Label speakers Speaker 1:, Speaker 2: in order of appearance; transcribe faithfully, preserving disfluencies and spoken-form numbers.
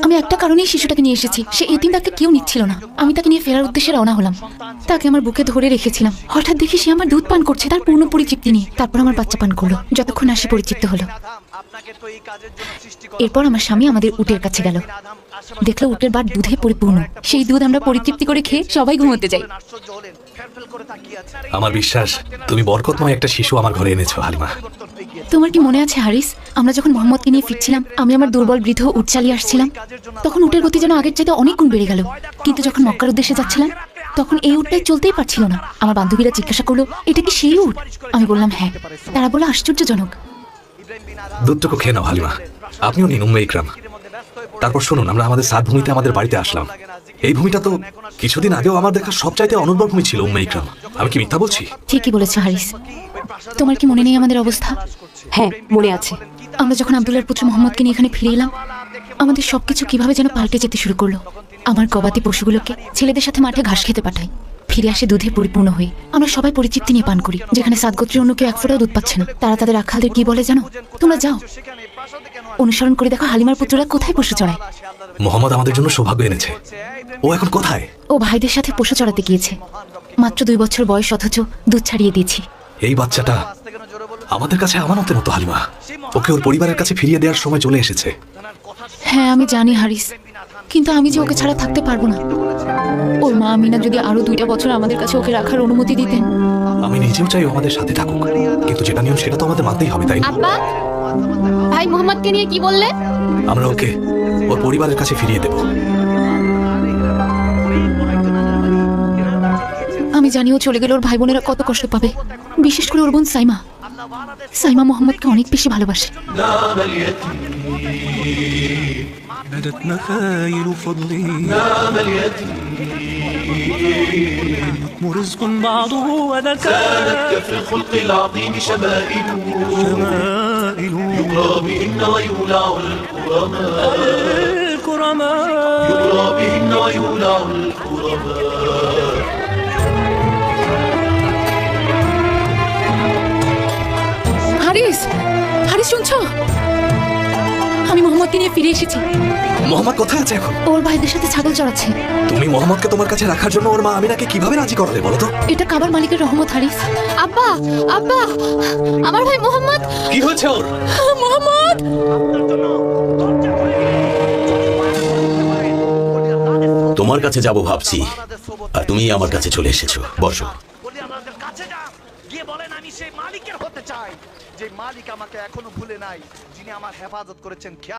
Speaker 1: আমি একটা কারণেই শিশুটাকে নিয়ে এসেছি, সে এতিমটাকে কেউ নিচ্ছিল না। আমি তাকে নিয়ে ফেরার উদ্দেশ্যে রওনা হলাম। তাকে আমার বুকে ধরে রেখেছিলাম। হঠাৎ দেখি সে আমার দুধ পান করছে, তার পূর্ণ পরিচিতি নিয়ে। তারপর আমার বাচ্চা পান করলো, যতক্ষণ আসে পরিচিত হলো। এরপর আমার স্বামী আমাদের উটের কাছে গেল, দেখলো উটের বাট দুধে পরিপূর্ণ। সেই দুধ আমরা পরিতৃপ্তি করে খেয়ে সবাই ঘুমোতে যাই।
Speaker 2: আমার বিশ্বাস তুমি বরকতময় একটা শিশু আমার ঘরে এনেছো হালিমা।
Speaker 1: তোমার কি মনে আছে হারিস, আমরা যখন মোহাম্মদকে নিয়ে ফিরছিলাম, আমি আমার দুর্বল বৃদ্ধ উট চালিয়ে আসছিলাম, তখন উটের গতি যেন আগের চাইতে অনেক গুণ বেড়ে গেল। কিন্তু যখন মক্কার উদ্দেশ্যে যাচ্ছিলাম, তখন এই উটটাই চলতেই পারছিল না। আমার বান্ধবীরা জিজ্ঞাসা করলো, এটা কি সেই উট? আমি বললাম হ্যাঁ। তারা বললো আশ্চর্যজনক।
Speaker 2: দুধটুকু খেয়ে নাও হালিমা, আপনিও নিন উম্মে ইকরাম। তারপর শুনুন, আমরা আমাদের সাত ভূমিতে আমাদের বাড়িতে আসলাম। এই ভূমিটা তো কিছুদিন আগেও আমার দেখা সবচাইতে অনুর্বর ভূমি ছিল উম্মে ইকরাম। আমি কি মিথ্যা বলছি?
Speaker 1: ঠিকই বলেছো হারিস। তোমার কি মনে নেই আমাদের অবস্থা?
Speaker 3: হ্যাঁ, মনে আছে।
Speaker 1: আমরা যখন আব্দুল্লাহর পুত্র মোহাম্মদকে নিয়ে এখানে ফিরে এলাম, আমাদের সবকিছু কিভাবে যেন পাল্টে যেতে শুরু করলো। আমার গবাদি পশুগুলোকে ছেলেদের সাথে মাঠে ঘাস খেতে পাঠাই, ফিরে আসে দুধে পরিপূর্ণ হয়ে। আমরা সবাই পরিচিতি নিয়ে পান করি। যেখানে সাত গোত্রের অন্য কেউ এক ফোঁটাও দুধ পাচ্ছে না, তারা তাদের রাখালদের কি বলে জানো? তোমরা যাও, অনুসরণ করে দেখো হালিমার পুত্ররা কোথায় পশু চড়ায়।
Speaker 2: মোহাম্মদ আমাদের জন্য সৌভাগ্য এনেছে। ও এখন কোথায়?
Speaker 1: ও ভাইদের সাথে পশু চড়াতে গিয়েছে। মাত্র দুই বছর বয়স, অথচ দুধ ছাড়িয়ে দিয়েছি।
Speaker 2: এই বাচ্চাটা আমাদের কাছে আমানতের মতো হালিমা। ওকে ওর পরিবারের কাছে ফিরিয়ে দেওয়ার সময় চলে এসেছে।
Speaker 1: হ্যাঁ আমি জানি হারিস, কিন্তু আমি যে ওকে ছাড়া থাকতে পারবো না। ওর মা আমিনা যদি আরো দুইটা বছর আমাদের কাছে ওকে রাখার অনুমতি দিতেন।
Speaker 2: আমি নিজেও চাই ও আমাদের সাথে থাকুক, কিন্তু যেটা নিয়ম সেটা তো আমাদের মানতেই হবে, তাই না?
Speaker 3: আব্বা, ভাই মোহাম্মদকে নিয়ে কি বললে?
Speaker 2: আমরা ওকে ওর পরিবারের কাছে ফিরিয়ে দেব।
Speaker 1: আমি জানি ও চলে গেলে ওর ভাই বোনেরা কত কষ্ট পাবে, বিশেষ করে ওর বোন সাইমা। সাইমা মোহাম্মদকে অনেক বেশি ভালোবাসে।
Speaker 4: بدت مخايل فضلي
Speaker 5: نام اليتيم
Speaker 4: رزق بعضه وذكاء
Speaker 5: كانت كفي الخلق العظيم شمائل
Speaker 4: شمائل
Speaker 5: يقرى بهن ويولع الكرماء
Speaker 4: الكرماء
Speaker 5: يقرى بهن ويولع الكرماء
Speaker 1: হারিস, হারিস শুনছো? আমি মোহাম্মদকে নিয়ে ফিরে এসেছি।
Speaker 2: মোহাম্মদ কোথায় আছে এখন?
Speaker 1: ওর ভাইদের সাথে ছাগল চড়াচ্ছে।
Speaker 2: তুমি মোহাম্মদকে তোমার কাছে রাখার জন্য ওর মা আমিনাকে কিভাবে রাজি করালে বলো তো?
Speaker 1: এটা কাবার মালিকের রহমত হারিস।
Speaker 3: আব্বা, আব্বা, আমার ভাই মোহাম্মদ।
Speaker 2: কি হয়েছে ওর?
Speaker 1: মোহাম্মদ!
Speaker 6: তোমার কাছে যাব ভাবছি, আর তুমি আমার কাছে চলে এসেছো। বসো।
Speaker 7: আমি সেই মালিকের হতে চাই, যে মালিক আমাকে এখনো ভুলে নাই, যিনি আমার হেফাজত করেছেন।